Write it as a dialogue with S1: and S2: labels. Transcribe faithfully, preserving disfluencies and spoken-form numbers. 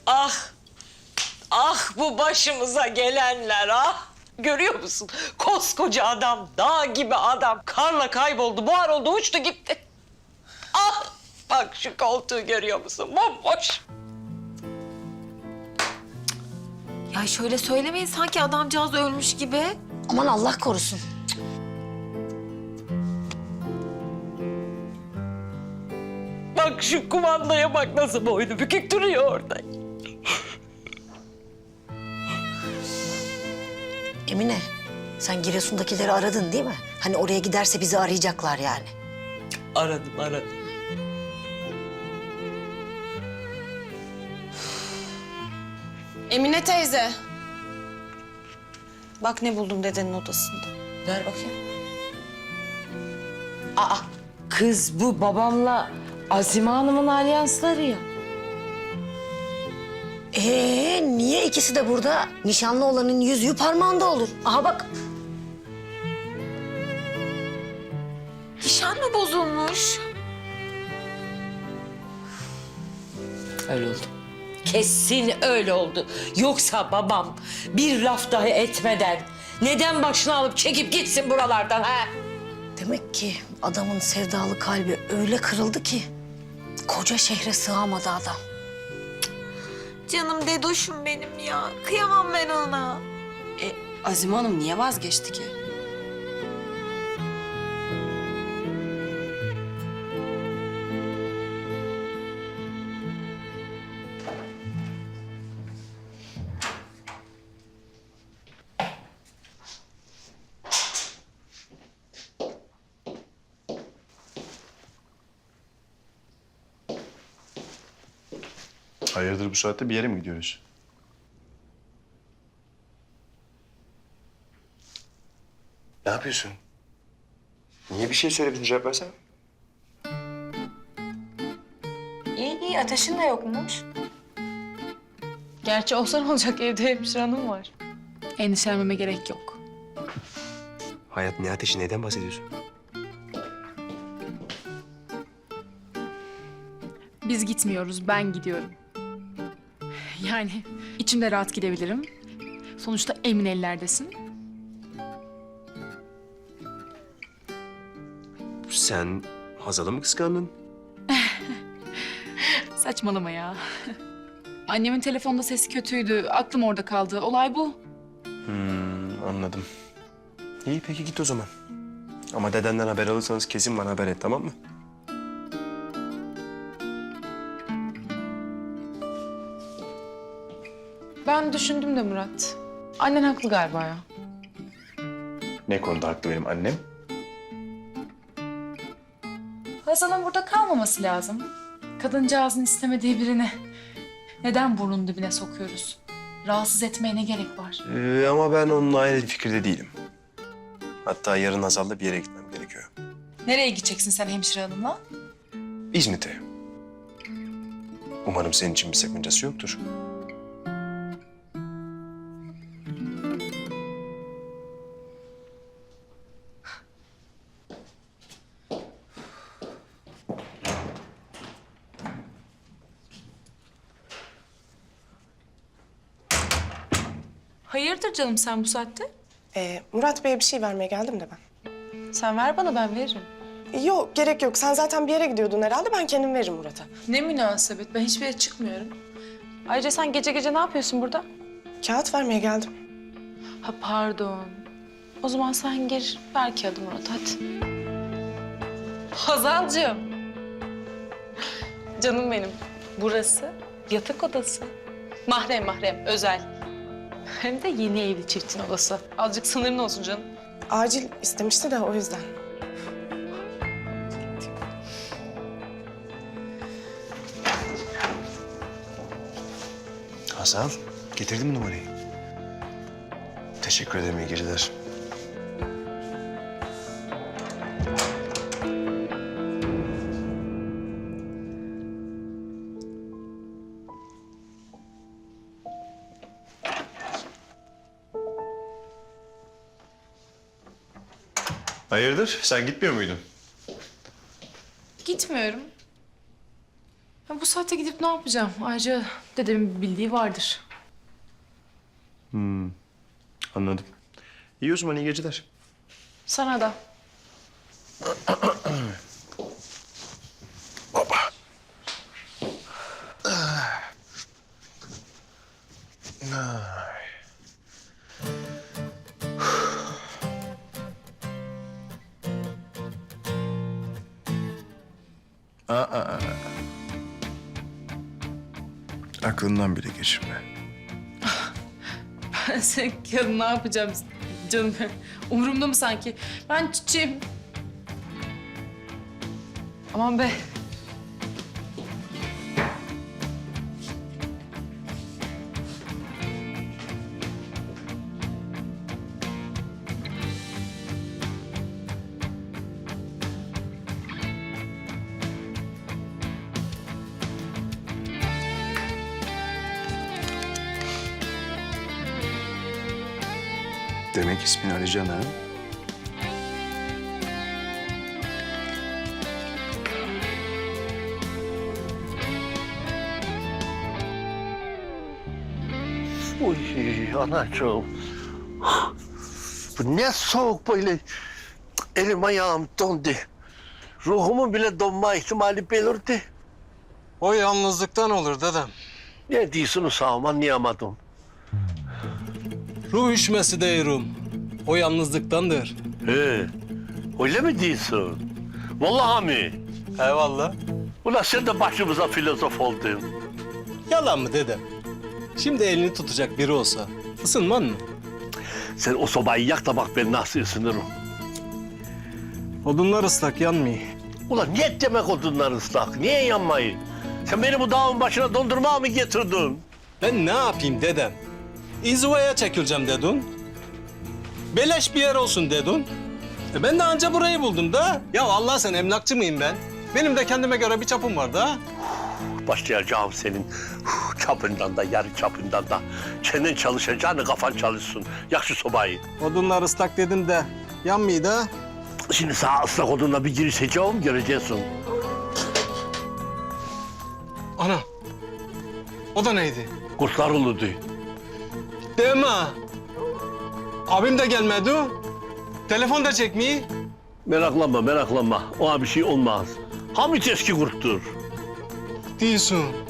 S1: Ah, ah bu başımıza gelenler ah. Görüyor musun? Koskoca adam, dağ gibi adam karla kayboldu, buhar oldu, uçtu gitti. Ah, bak şu koltuğu görüyor musun? Bomboş.
S2: Ya şöyle söylemeyin sanki adamcağız ölmüş gibi.
S3: Aman Allah korusun.
S1: Bak şu kumandaya bak nasıl boynu bükük duruyor orada.
S3: Emine, sen Giresun'dakileri aradın değil mi? Hani oraya giderse bizi arayacaklar yani.
S1: Aradım, aradım.
S2: Emine teyze. Bak ne buldum dedenin odasında.
S1: Ver bakayım. Aa, kız bu babamla Azime Hanım'ın alyansları ya.
S3: Ee, niye ikisi de burada? Nişanlı olanın yüzüğü parmağında olur. Aha bak.
S2: Nişan mı bozulmuş?
S1: Öyle oldu. Kesin öyle oldu. Yoksa babam bir laf dahi etmeden neden başını alıp çekip gitsin buralardan ha?
S3: Demek ki adamın sevdalı kalbi öyle kırıldı ki koca şehre sığamadı adam.
S2: Canım dedoşum benim ya. Kıyamam ben ona.
S4: E, Azime Hanım niye vazgeçti ki?
S5: Hayırdır bu saatte bir yere mi gidiyoruz? Ne yapıyorsun? Niye bir şey söylemedin, cevap versene.
S4: İyi iyi, ateşin de yokmuş. Gerçi olsa ne olacak, evde hemşire hanım var.
S6: Endişelenmeme gerek yok.
S5: Hayat, ne ateşi, neden bahsediyorsun?
S6: Biz gitmiyoruz, ben gidiyorum. Yani içimde rahat gidebilirim. Sonuçta emin ellerdesin.
S5: Sen Hazal'ı mı kıskandın?
S6: Saçmalama ya. Annemin telefonda sesi kötüydü, aklım orada kaldı. Olay bu.
S5: Hmm, anladım. İyi, peki git o zaman. Ama dedenden haber alırsanız kesin bana haber et, tamam mı?
S6: Ben düşündüm de Murat. Annen haklı galiba ya.
S5: Ne konuda haklı benim annem?
S6: Hazal'ın burada kalmaması lazım. Kadıncağızın istemediği birini neden burnunun dibine sokuyoruz? Rahatsız etmeye ne gerek var?
S5: Ee, ama ben onunla aynı fikirde değilim. Hatta yarın Hazal'la bir yere gitmem gerekiyor.
S6: Nereye gideceksin sen hemşire hanımla?
S5: İzmit'e. Umarım senin için bir sakıncası yoktur.
S6: Hayırdır canım sen bu saatte?
S7: Ee, Murat Bey'e bir şey vermeye geldim de ben.
S6: Sen ver bana ben veririm.
S7: Yok, gerek yok. Sen zaten bir yere gidiyordun herhalde. Ben kendim veririm Murat'a.
S6: Ne münasebet ben hiçbir yere çıkmıyorum. Ayrıca sen gece gece ne yapıyorsun burada?
S7: Kağıt vermeye geldim.
S6: Ha pardon. O zaman sen gir ver kağıdı Murat hadi. Hazalcığım. Canım benim. Burası yatak odası. Mahrem mahrem özel. Hem de yeni evli çiftin odası. Azıcık sınırın olsun canım.
S7: Acil istemişti de o yüzden.
S5: Hazal, getirdin mi numarayı? Teşekkür ederim, iyi geceler. Hayırdır? Sen gitmiyor muydun?
S6: Gitmiyorum. Ya bu saatte gidip ne yapacağım? Ayrıca dedemin bildiği vardır.
S5: Anladım. İyi o zaman, iyi geceler.
S6: Sana da.
S5: Aklından bile geçirme.
S6: Ben senin yarın ne yapacağım canım? Umurumda mı sanki? Ben çiçeğim. Aman be.
S5: Demek ismin Alican ha?
S8: Uy anacığım. Bu ne soğuk böyle. Elim ayağım dondu. Ruhumun bile donma ihtimali belirdi.
S9: O yalnızlıktan olur dedem.
S8: Ne diyorsunuz sağım anlayamadım.
S9: Ruh üşmesi değilim. O yalnızlıktandır.
S8: He, öyle mi diyorsun? Vallahi mi?
S9: Eyvallah.
S8: Ulan sen de başımıza filozof oldun.
S9: Yalan mı dedem? Şimdi elini tutacak biri olsa ısınman mı?
S8: Sen o sobayı yak da bak ben nasıl ısınırım.
S9: Odunlar ıslak yanmıyor.
S8: Ulan ne demek odunlar ıslak? Niye yanmayı? Sen beni bu dağın başına dondurmaya mı getirdin?
S9: Ben ne yapayım dedem? İzvaya çekileceğim dedin. Beleş bir yer olsun dedin. E ben de anca burayı buldum da. Ya Allah sen emlakçı mıyım ben? Benim de kendime göre bir çapım var da.
S8: Başlayacağım senin huh, çapından da, yarı çapından da. Çenen çalışacağını kafan çalışsın. Yak şu sobayı.
S9: Odunlar ıslak dedim de yanmıyor da.
S8: Şimdi sağ ıslak odunla bir girişeceğim, göreceksin.
S9: Ana. O da neydi?
S8: Kurtlar uludu.
S9: Deme. Abim de gelmedi. Telefon da çekmiyor.
S8: Meraklanma, meraklanma. Ona bir şey olmaz. Hamit eski kurttur.
S9: Diyorsun.